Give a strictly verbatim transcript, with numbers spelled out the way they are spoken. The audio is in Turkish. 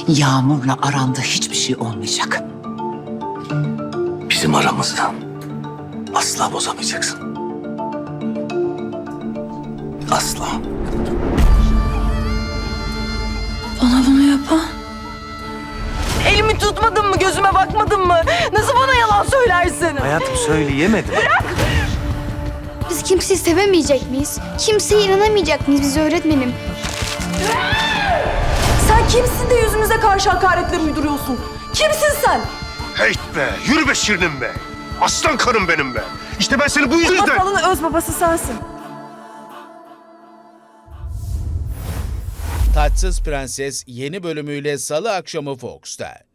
Yağmur'la aranda hiçbir şey olmayacak. Bizim aramızda asla bozamayacaksın. Asla. Bana bunu yapan. Elimi tutmadın mı, gözüme bakmadın mı? Nasıl bana yalan söylersin? Hayatım söyleyemedim. Biz kimseyi sevemeyecek miyiz? Kimseye inanamayacak mıyız biz öğretmenim? Sen kimsin de yüzümüze karşı hakaretler uyduruyorsun? Kimsin sen? Heyt be, yürü be Şirinim be. Aslan karım benim be. İşte ben seni bu yüzden... Masalın öz babası sensin. Taçsız Prenses yeni bölümüyle Salı akşamı Fox'ta.